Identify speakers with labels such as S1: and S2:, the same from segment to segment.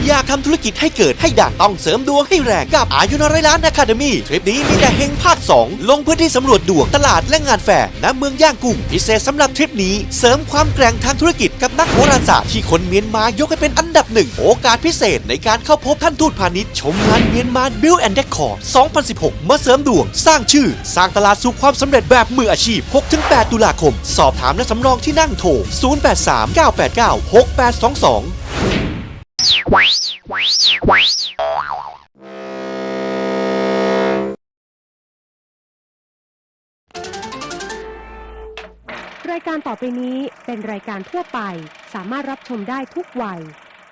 S1: อยากทำธุรกิจให้เกิดให้ดังต้องเสริมดวงให้แรงกับอายุน้อยล้านอะคาเดมี่ทริปนี้มีแต่เฮงภาค 2ลงพื้นที่สำรวจดวงตลาดและงานแฟร์ณเมืองย่างกุ้งพิเศษสำหรับทริปนี้เสริมความแกร่งทางธุรกิจกับนักโหราศาสตร์ที่คนเมียนมายกให้เป็นอันดับหนึ่งโอกาสพิเศษในการเข้าพบท่านทูตพาณิชย์ชมงานเมียนมา Build and Decor 2016 มาเสริมดวงสร้างชื่อสร้างตลาดสู่ความสำเร็จแบบมืออาชีพ 6-8 ตุลาคมสอบถามและสำรองที่นั่งโทร 0839896822
S2: รายการต่อไปนี้เป็นรายการทั่วไปสามารถรับชมได้ทุกวัย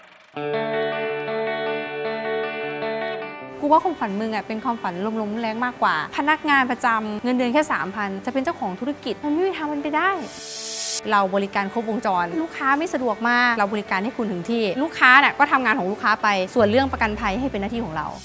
S3: กูว่าความฝันมึงเป็นความฝันลมๆแรงมากกว่าพนักงานประจำเงินเดือนแค่ 3,000 จะเป็นเจ้าของธุรกิจมันไม่มีทางมันไปได้เราบริการครบวงจรลูกค้าไม่สะดวกมากเราบริการให้คุณถึงที่ลูกค้าก็ทำงานของลูกค้าไปส่วนเรื่องประกันภัยให้เป็นหน้าที่ของเรา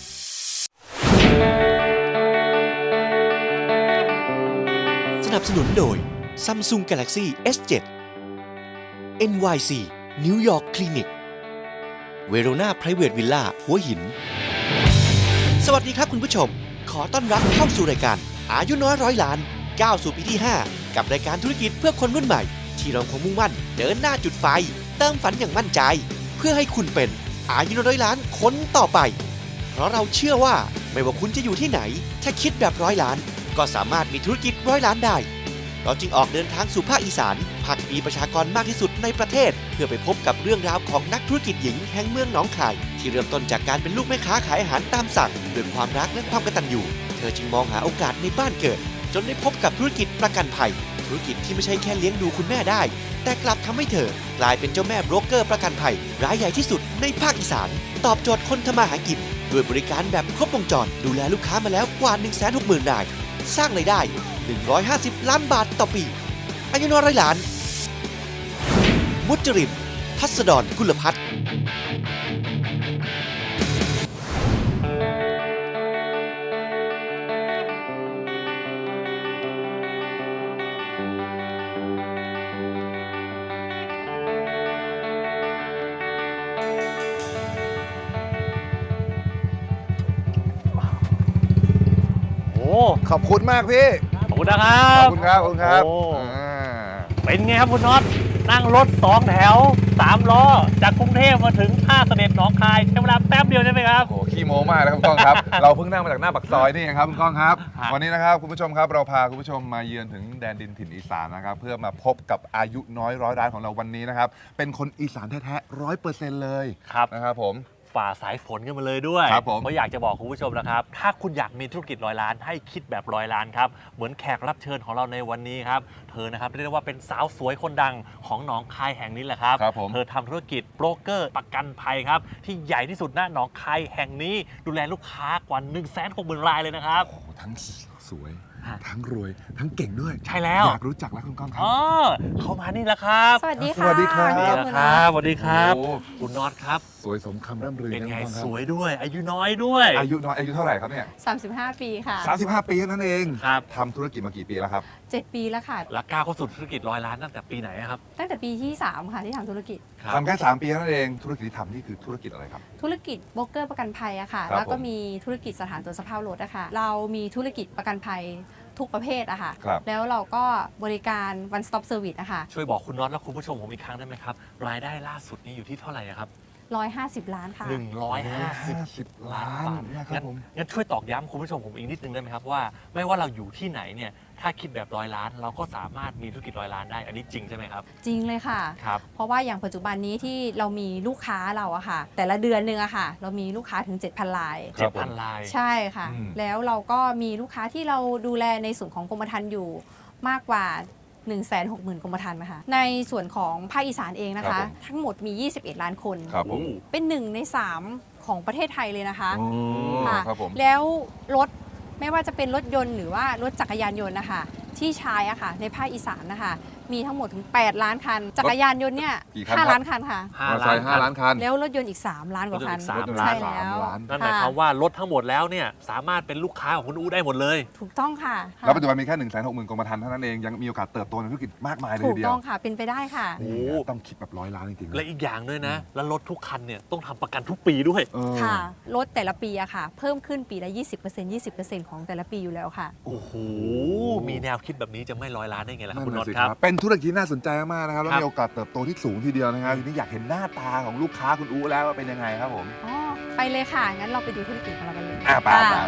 S1: สนับสนุนโดย Samsung Galaxy S7 NYC New York Clinic Verona Private Villa หัวหินสวัสดีครับคุณผู้ชมขอต้อนรับเข้าสู่รายการอายุน้อยร้อยล้านก้าวสู่ปีที่ 5 กับรายการธุรกิจเพื่อคนรุ่นใหม่ที่เราคงมุ่งมั่นเดินหน้าจุดไฟเติมฝันอย่างมั่นใจเพื่อให้คุณเป็นอายุน้อยร้อยล้านคนต่อไปเพราะเราเชื่อว่าไม่ว่าคุณจะอยู่ที่ไหนถ้าคิดแบบร้อยล้านก็สามารถมีธุรกิจร้อยล้านได้เราจึงออกเดินทางสู่ภาคอีสานภาคที่มีประชากรมากที่สุดในประเทศเพื่อไปพบกับเรื่องราวของนักธุรกิจหญิงแห่งเมืองหนองคายที่เริ่มต้นจากการเป็นลูกแม่ค้าขายอาหารตามสั่งด้วยความรักและความกตัญญูเธอจึงมองหาโอกาสในบ้านเกิดจนได้พบกับธุรกิจประกันภัยธุรกิจที่ไม่ใช่แค่เลี้ยงดูคุณแม่ได้แต่กลับทำให้เธอกลายเป็นเจ้าแม่โบรกเกอร์ประกันภัยรายใหญ่ที่สุดในภาคอีสานตอบโจทย์คนทำมาหากินด้วยบริการแบบครบวงจรดูแลลูกค้ามาแล้วกว่า 160,000 รายสร้างรายได้150 ล้านบาทต่อปีอายุน้อยร้อยล้านมุจรินพัสดรกุลพัฒน์
S4: ขอบคุณมากพี่
S5: ขอบคุณนะครับ
S4: ขอบคุณครับ ขอบคุณครับ
S5: เป็นไงครับคุณน็อตนั่งรถ2แถว3ล้อจากกรุงเทพมาถึงท่าเสด็จหนองคายใช้เวลาแป๊บเดียวใช่ไหมครับ
S4: โอ้ขี้โม้มากเลยครับคุณก้องครับ เราเพิ่งนั่งมาจากหน้าปากซอยนี่เองครับคุณก้องครับ วันนี้นะครับคุณผู้ชมครับเราพาคุณผู้ชมมาเยือนถึงแดนดินถิ่นอีสานนะครับเพื่อมาพบกับอายุน้อยร้อยล้านของเราวันนี้นะครับเป็นคนอีสานแท้ๆ100%เลยนะครับผม
S5: ฝ่าสายฝนกันมาเลยด้วย
S4: ครับผม
S5: เพราะอยากจะบอกคุณผู้ชมนะครับถ้าคุณอยากมีธุรกิจร้อยล้านให้คิดแบบร้อยล้านครับเหมือนแขกรับเชิญของเราในวันนี้ครับเธอนะครับเรียกได้ว่าเป็นสาวสวยคนดังของหนองคายแห่งนี้แหละครับเธอทำธุรกิจโบรกเกอร์ประกันภัยครับที่ใหญ่ที่สุดณหนองคายแห่งนี้ดูแลลูกค้ากว่า 160,000 รายเลยนะครับ
S4: ทั้งสวยทั้งรวยทั้งเก่งด้วย
S5: ใช่แล้ว
S4: อยากรู้จักแล้วคุณก้องครับ
S5: เข้ามานี่แล้วครับ
S3: สวัสดีค่ะ
S4: สวัสดีครับ
S5: สวัสดีครับคุณน็อตครับ
S4: สวยสมคำร่ำลือ
S5: เป็นไงสวยด้วยอายุน้อยด้วย
S4: อายุน้อยอายุเท่าไหร่ครับเนี่ย
S3: 35 ปีค่ะ
S4: 35 ปีนั่นเอง
S5: ครับ
S4: ทำธุรกิจมากี่ปีแล้วครับ
S3: 7 ปีแล้วค่ะ
S5: แล้วก้าวเข้าสู่ธุรกิจร้อยล้านตั้งแต่ปีไหนครับ
S3: ตั้งแต่ปีที่3ค่ะที่ทำธุรกิจ
S4: ทำแค่3 ปีนั่นเองธุรกิจที่ทำนี่คือธุรกิจอะไรครับ
S3: ธุรกิจโบรกเกอร์ประกันภัยอะค่ะแล้วก็มีธุรกิจสถานตรวจสภาพรถอะค่ะเรามีธุรกิจประกันภัยทุกประเภทอะค่ะแล้วเราก็บริการ one stop service อะค่ะ
S5: ช่วยบอกคุณน็อตและคุณผู้ชมผมอีกครั้งได้ไหมครับรายได้ล่าสุดนี่อยู่ที่เท่าไหร่ครับ
S3: 150 ล้านค่ะ
S4: 150 ล้านนะครับผม
S5: งั้นช่วยตอกย้ำคุณผู้ชมผมอีกนิดนึงได้ไหมครับว่าไม่ว่าเราอยู่ที่ไหนเนี่ยถ้าคิดแบบร้อยล้านเราก็สามารถมีธุรกิจร้อยล้านได้อันนี้จริงใช่ไหมครับ
S3: จริงเลยค่ะ
S5: ครับ
S3: เพราะว่าอย่างปัจจุบันนี้ที่เรามีลูกค้าเราอะค่ะแต่ละเดือนหนึ่งอะค่ะเรามีลูกค้าถึง 7,000 ราย
S5: 7,000 ราย
S3: ใช่ค่ะแล้วเราก็มีลูกค้าที่เราดูแลในส่วนของกรมธรรม์อยู่มากกว่า160,000 กรมธรรม์นะคะในส่วนของภาคอีสานเองนะคะทั้งหมดมี21 ล้านคนเป็น1 ใน 3ของประเทศไทยเลยนะคะค่ะแล้วรถไม่ว่าจะเป็นรถยนต์หรือว่ารถจักรยานยนต์นะคะที่ใช้อะค่ะในภาคอีสานนะคะมีทั้งหมดถึง 8 ล้านคัน จักรยานยนต์เนี่ย
S4: กี่คันครับ
S3: 5 ล้านคันค่ะ
S4: มอเตอร์ไซค์5 ล้านคัน
S3: แล้วรถยนต์อีก 3 ล้านกว่าคัน
S5: รถยนต์อีก
S3: ใช่
S5: 3
S3: แล้ว
S4: ล้าน
S5: นั่นหมายความว่ารถทั้งหมดแล้วเนี่ยสามารถเป็นลูกค้าของคุณอู๋ได้หมดเลย
S3: ถูกต้องค่ะ
S4: แล้วปัจจุบันมีแค่ 160,000 กรมธรรม์เท่านั้นเองยังมีโอกาสเติบโตในธุรกิจมากมายเลย
S3: ถู
S4: ที
S3: ก
S4: เดีย
S3: ต้
S4: ว
S3: องค่ะ เป็นไปได้ค่ะ
S5: โอ้
S4: นี่ต้องคิดแบบ100 ล้านจริงๆ
S5: และอีกอย่างด้วยนะ แล้วรถทุกคันเนี่ยต้องทำประกันทุกปีด้วย
S4: เออ
S3: ค่ะ รถแต่ละปีอะค่ะ เพิ่มขึ้นปีละ 20% ของแต่ละปีอยู่แล้วค่ะ
S5: โอ้โห มีแนวคิดแบบนี้จะไม่100 ล้านได้ไงล่ะครับ
S4: นั่
S5: คุณ
S4: น
S5: น็อ
S4: น่ะ
S5: ต
S4: สิ
S5: ครับ
S4: เป็นธุรกิจที่น่าสนใจมากนะครับแล้ว
S5: ครับ
S4: มีโอกาสเติบโตที่สูงทีเดียวนะครับทีนี้อยากเห็นหน้าตาของลูกค้าคุณอู๋แล้วว่าเป็นยังไงครับผม
S3: อ๋อ ไปเลยค่ะ งั้นเราไปดูธุรกิจของเรากันเลย
S4: ไป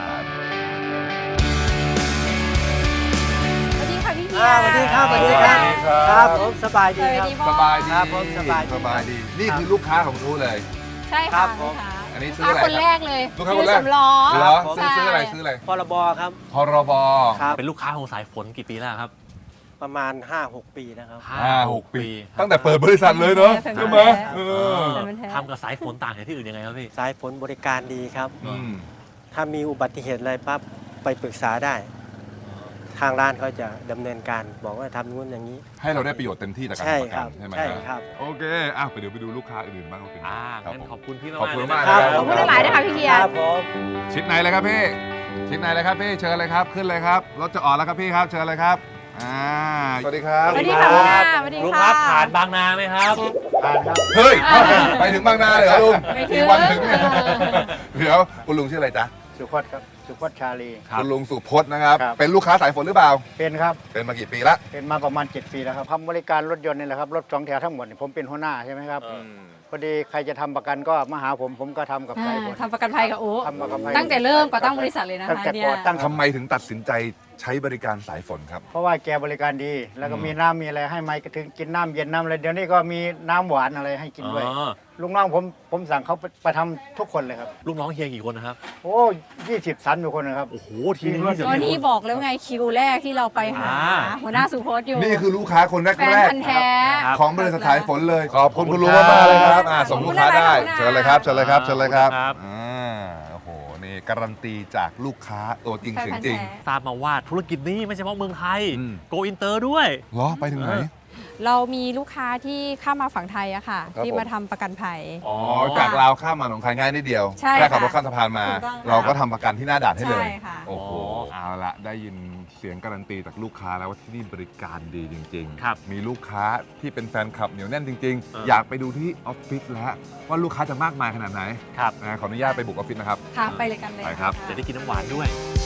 S3: สวัสดีค่ะพี่เฮีย
S6: สวัสดีครับ
S4: สวัสดีครับ
S6: ครับผมสบายดี
S3: สวัส
S6: ครับ
S3: ดีพ่อ
S4: สบายดี
S6: ครับผมสบายดี
S4: สบายดีนี่คือลูกค้าของคุณอู๋เลย
S3: ใช่
S6: ครั
S3: ค่ะ
S6: บผม
S3: ลูกค้า
S4: อันนี้ซื้
S3: ลู
S4: อก อะไร
S3: ค้าคนแรกเลย
S4: ลูกค้าคนแรก
S3: สำล้อ
S4: เหรอ
S3: ใช่
S4: ซื้ออะไรซื้ออะไร
S6: พรบครับ
S4: พรบ
S6: ครับ
S5: เป็นลูกค้าของสายฝนกี่ปีแล้วครับ
S6: ประมาณ 5-6 ปีนะครับ
S4: 5-6 ปี ตั้งแต่เปิดบริษัทเลยเนาะ
S3: แฟน
S4: ใช่
S3: พันธุ์
S4: ไหม
S3: แท้
S4: เออ
S3: แฟนพันธุ์แท้
S5: ทำกับสายฝนต่างจากที่อื่นยังไงครับพี่
S6: สายฝนบริการดีครับ
S4: อืม
S6: ถ้ามีอุบัติเหตุอะไรปั๊บไปปรึกษาได้ ทางร้านเขาจะดำเนินการบอกว่าทำนู้นอย่างนี้
S4: ให้เราได้ประโยชน์เต็มที่จากการ
S6: ใช่
S4: ทำประ
S6: ค
S4: กั
S6: รั
S4: น
S6: บ
S4: ใช่ไหม
S6: ใช่
S4: ฮะ
S6: ครับ
S4: โอเคเดี๋ยวไปดูลูกค้าอื่นบ้างว่าเป็นยังไงครับ
S5: งั้น
S4: ผม
S5: ขอบคุณพี่มาก
S4: ขอบคุณ
S5: เลย
S4: มาก
S5: นะ
S4: ค
S5: ค
S4: รั
S5: รับ บ
S3: ขอบคุณหลายๆนะคะพี่เฮีย
S6: ครับผม
S4: ชิดไหนเลยครับพี่ชิดไหนเลยครับพี่เชิญเลยครับขึ้นเลยครับรถจะออกแล้วครับพี่ครับเชิญเลยครับสวัสดีครับ
S3: สวัสดีค่ะพี่นาสวัสดี
S5: ลุง
S3: ค่ะ
S5: ครับผ่านบางนาไหมครับ
S6: ผ่านครับ
S4: เฮ้ยไปถึงบางนาเลยเหรอลุง
S3: ไม่ถึง
S4: กี่วันถึงเนี่ยเดี๋ยวคุณลุงชื่ออะไรจ๊ะ
S7: สุพจน์ครับ สุพจน์ชาลี
S4: คุณลุงสุพจน์นะครับ
S7: ครับ
S4: เป็นลูกค้าสายฝนหรือเปล่า
S7: เป็นครับ
S4: เป็นมากี่ปีละ
S7: เป็นมาประมาณ 7 ปีแล้วครับทำบริการรถยนต์นี่แหละครับ รถสองแถวทั้งหมดนี่ผมเป็นหัวหน้าใช่ไหมครับ พอดีใครจะทำประกันก็มาหาผมก็ทำกับใคร
S3: ทำประกันภัยกับโอ้
S7: ทำประกันภัย
S3: ตั้งแต่เริ่มก่อตั้งบริษัทเลยนะ
S7: ตั้ง
S3: คะ
S7: แต่
S3: เนี่
S7: ก่อย ตั้ง
S4: ทำไมถึงตัดสินใจใช้บริการสายฝนครับ
S7: เพราะว่าแกบริการดี แล้วก็มีน้ำมีอะไรให้ไหมก็ถึงกินน้ำเย็นน้ำอะไรเดี๋ยวนี้ก็มีน้ำหวานอะไรให้กินด้วย
S5: อ๋อ
S7: ลุงน้องผมสั่งเขาไปทำทุกคนเลยครับ
S5: ลูกน้องเฮียกี่คนนะครับ
S7: โอ้20 30คนนะครับ
S5: โอ้โห ทีนี้จะ
S3: ก็นี่บอกแล้วไงคิวแรกที่เราไปหาหัวหน้าสุพจน์อยู่
S4: นี่คือลูกค้าคน
S3: แฟน
S4: แรก
S3: พันธุ์แท้
S5: ครับ
S4: ๆของบริษัทสายฝนเลย ขอบคุณคุณลุงมากๆเลยครับส่งลูกค้าได้
S3: ขอบคุณนะคะ
S4: เชิญเลยครับเชิญเลยครับเชิญเลยครับ
S5: ครับ
S4: โอ้โหนี่การันตีจากลูกค้าตัวจริง
S3: แฟน
S4: เสียง
S3: พันธุ์
S4: จริง
S3: แท้
S5: ทราบมาว่าธุรกิจนี้ไม่ใช่เฉพาะเมืองไทย
S4: อืม
S5: โกอินเตอร์ด้วย
S4: เหรอไปถึงไหน
S3: เรามีลูกค้าที่ข้ามมาฝั่งไทยอะค่ะ
S4: ครับ
S3: ที่
S4: ผม
S3: มาทำประกันภัย
S4: อ๋อจากลาวข้ามมาหนองคายง่ายนิดเดียว
S3: ใช่
S4: แค่ขับ
S3: ค่ะ
S4: รถข้ามสะพานมา
S3: ถูกต้องค่ะ
S4: เราก็ทำประกันที่หน้าด่านให้เลย
S3: ใช่ค่ะ
S4: โอ้โหเอาละได้ยินเสียงการันตีจากลูกค้าแล้วว่าที่นี่บริการดีจริง
S5: ครับ
S4: มีลูกค้าที่เป็นแฟนคลับเหนียวแน่นจริง
S5: เออ
S4: ๆ อยากไปดูที่ออฟฟิศแล้วว่าลูกค้าจะมากมายขนาดไหน
S5: ครับ
S4: ขออนุญาตไปบุกออฟฟิศนะครับ
S3: ค่ะไปเลยกันเลย
S4: ไปครับ
S3: ะ
S5: จะได้กินน้ำหวานด้วย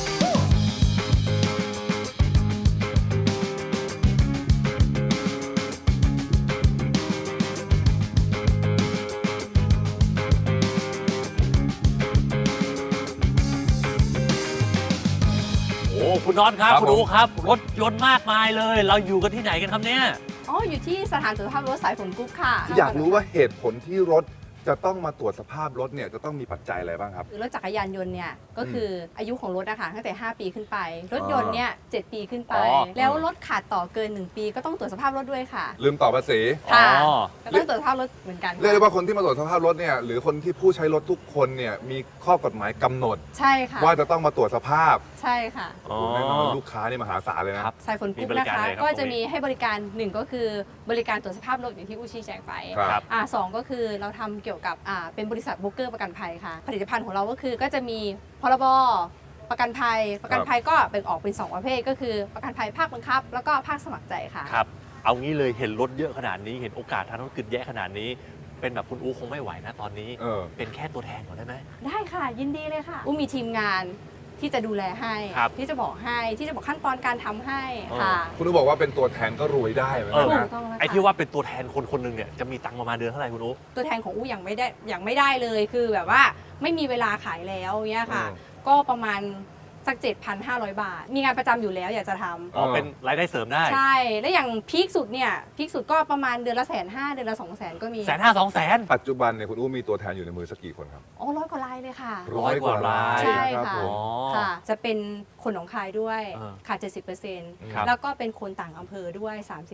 S5: โอ้คุณน็อตครับ
S4: ครับ
S5: คุณ
S4: ผม
S5: อู๋ครับ รถยนต์มากมายเลย เราอยู่กันที่ไหนกันครับเนี่ย
S3: อ๋ออยู่ที่สถานตรวจสภาพรถสายฝนกรุ๊ปค่ะ
S4: อยากรู้ว่าเหตุผลที่รถจะต้องมาตรวจสภาพรถเนี่ยจะต้องมีปัจจัยอะไรบ้างครับ
S3: รถจักรยานยนต์เนี่ยก็คืออายุของรถนะคะตั้งแต่ 5 ปีขึ้นไป รถยนต์เนี่ย7ปีขึ้นไป
S5: อ๋อ
S3: แล้วรถขาดต่อเกิน 1 ปีก็ต้องตรวจสภาพรถด้วยค่ะ
S4: ลืมต่อภาษี
S3: ค่ะ
S5: อ๋อ
S3: ก็ต้องตรวจสภาพรถเหมือนกัน
S4: เรียกได้ว่าคนที่มาตรวจสภาพรถเนี่ยหรือคนที่ผู้ใช้รถทุกคนเนี่ยมีข้อกฎหมายกำหนด
S3: ใช่ค่ะ
S4: ว่าจะต้องมาตรวจสภาพ
S3: ใช่ค่ะ
S5: อ๋อ
S4: แน่นอนลูกค้านี่มหาศาลเลยนะครับ
S3: สายฝนกรุ๊ป
S5: มีบริ
S3: นะ
S5: การ
S3: คะ
S5: อะไรครับ
S3: ก็จะ
S5: ตรงนี้
S3: มีให้บริการ1ก็คือบริการตรวจสภาพรถอย่างที่อูชี้แจงไป
S4: ครับ
S3: สองก็คือเราทำเกี่ยวกับเป็นบริษัทโบรกเกอร์ประกันภัยค่ะ ผลิตภัณฑ์ของเราก็คือก็จะมีพรบประกันภัย ประกันภัยก็แบ่งออกเป็น2ประเภทก็คือประกันภัยภาคบังคับ แล้วก็ภาคสมัครใจค่ะ
S5: ครับ เอางี้เลยเห็นรถเยอะขนาดนี้ เห็นโอกาสทางธุรกิจแย่ขนาดนี้ เป็นแบบคุณอู๋คงไม่ไหวนะตอนนี้
S4: เออ
S5: เป็นแค่ตัวแทนก่อนได้ไหม
S3: ได้ค่ะยินดีเลยค่ะอุ้มมีทีมงานที่จะดูแลให้
S5: ครับ
S3: ที่จะบอกให้ที่จะบอกขั้นตอนการทำให้ค่ะ
S4: คุณอู๋บอกว่าเป็นตัวแทนก็รวยได้เหมือนกัน
S3: ถู
S4: นะ
S3: กต้องแล้วค่ะ
S5: ไอ้ที่ว่าเป็นตัวแทนคนคนหนึ่งเนี่ยจะมีตังค์ประมาณเดือนเท่าไหร่คุณอู๋
S3: ตัวแทนของอู้ยังไม่ได้เลยคือแบบว่าไม่มีเวลาขายแล้วเนี่ยค่ะ ก็ประมาณสัก 7,500 บาท มีงานประจำอยู่แล้วอยากจะทำ
S5: อ๋อเป็นรายได้เสริมได้
S3: ใช่ แล้วอย่างพีคสุดเนี่ยพีคสุดก็ประมาณเดือนละ150,000เดือนละ 200,000ก็มี
S5: 150,000-200,000
S4: ปัจจุบันเนี่ยคุณอู๋มีตัวแทนอยู่ในมือสักกี่คนครับ
S3: อ๋อ100 กว่าลายเลยค่ะ
S5: 100 กว่าราย
S3: ใช่
S4: รับ
S3: ค่ะ
S4: ผม
S3: ค่ะ จะเป็นคนหนองคายด้วย
S5: อ่า
S3: ค่ะ
S5: ครับ
S3: 70%แล้วก็เป็นคนต่างอำเภอด้วย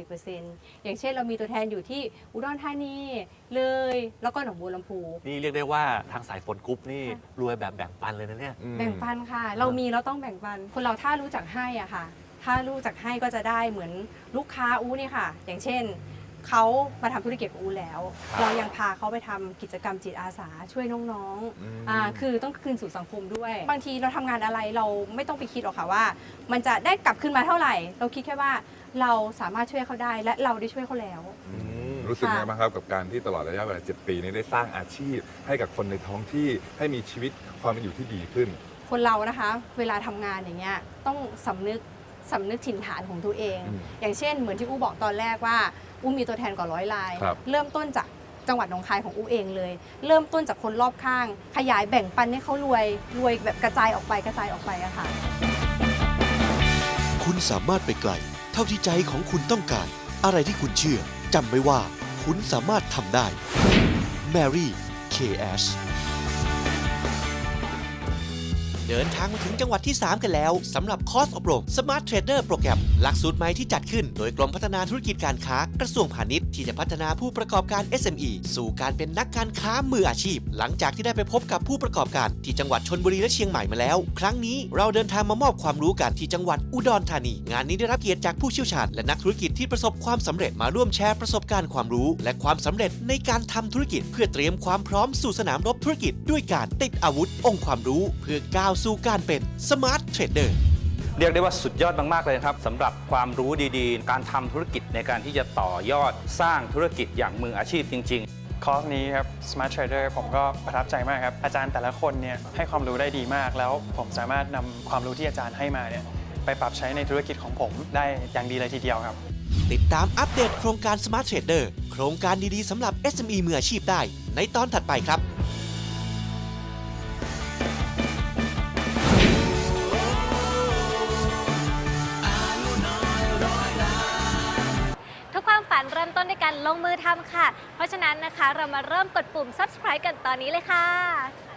S3: 30%อย่างเช่นเรามีตัวแทนอยู่ที่อุดรธานีเลยแล้วก็หนองบัวลำพู
S5: นี่เรียกได้ว่าทางสายฝนกรุ๊ปนี่รวยแบบแบ่งปันเลยนะเนี่ย
S4: อืม
S3: แบ่งปันค่ะ เรามีเราต้องแบ่งปัน คนเราถ้ารู้จักให้อ่ะค่ะถ้ารู้จักให้ก็จะได้เหมือนลูกค้าอู้นี่ค่ะ อย่างเช่นเขามาทำธุรกิจกับอูแล้ว เรายังพาเขาไปทำกิจกรรมจิตอาสาช่วยน้องๆคือต้องคืนสู่สังคมด้วย บางทีเราทำงานอะไรเราไม่ต้องไปคิดหรอกค่ะว่า มันจะได้กลับคืนมาเท่าไหร่ เราคิดแค่ว่าเราสามารถช่วยเขาได้และเราได้ช่วยเขาแล้ว
S4: รู้สึกไงบ้างครับกับการที่ตลอดระยะเวลา 7 ปีนี้ได้สร้างอาชีพ ให้กับคนในท้องที่ให้มีชีวิตความเป็นอยู่ที่ดีขึ้น
S3: คนเรานะคะเวลาทำงานอย่างเงี้ยต้องสำนึกถิ่นฐานของตัวเอง อย่างเช่นเหมือนที่อู้บอกตอนแรกว่าอู้มีตัวแทนกว่า100 ราย เริ่มต้นจากจังหวัดหนองคายของอู้เองเลย เริ่มต้นจากคนรอบข้าง ขยายแบ่งปันให้เขารวยแบบกระจายออกไปอะค่ะ
S1: คุณสามารถไปไกลเท่าที่ใจของคุณต้องการ อะไรที่คุณเชื่อจำไว้ว่าคุณสามารถทำได้ Mary K.S. เดินทางมาถึงจังหวัดที่ 3 กันแล้วสำหรับคอร์สอบรม Smart Trader โปรแกรมหลักสูตรใหม่ที่จัดขึ้นโดยกรมพัฒนาธุรกิจการค้ากระทรวงพาณิชย์ที่จะพัฒนาผู้ประกอบการ SME สู่การเป็นนักการค้ามืออาชีพ หลังจากที่ได้ไปพบกับผู้ประกอบการที่จังหวัดชลบุรีและเชียงใหม่มาแล้ว ครั้งนี้เราเดินทางมามอบความรู้กันที่จังหวัดอุดรธานีงานนี้ได้รับเกียรติจากผู้เชี่ยวชาญและนักธุรกิจที่ประสบความสำเร็จมาร่วมแชร์ประสบการณ์ความรู้และความสำเร็จในการทำธุรกิจเพื่อเตรียมความพร้อมสู่สนามรบธุรกิจด้วยการติดอาวุธองค์ความรู้เพื่อก้าวสู่การเป็นSmart Trader
S8: เรียกได้ว่าสุดยอดมากๆเลยครับสำหรับความรู้ดีๆ การทำธุรกิจในการที่จะต่อยอดสร้างธุรกิจอย่างมืออาชีพจริงๆ
S9: คอร์สนี้ครับ Smart Trader ผมก็ประทับใจมากครับอาจารย์แต่ละคนเนี่ยให้ความรู้ได้ดีมากแล้วผมสามารถนำความรู้ที่อาจารย์ให้มาเนี่ยไปปรับใช้ในธุรกิจของผมได้อย่างดีเลยทีเดียวครับ
S1: ติดตามอัปเดตโครงการ Smart Trader โครงการดีๆสำหรับ SME มืออาชีพได้ในตอนถัดไปครับ
S10: ความฝันเริ่มต้นในการลงมือทำค่ะเพราะฉะนั้นนะคะเรามาเริ่มกดปุ่ม subscribe กันตอนนี้เลยค่ะ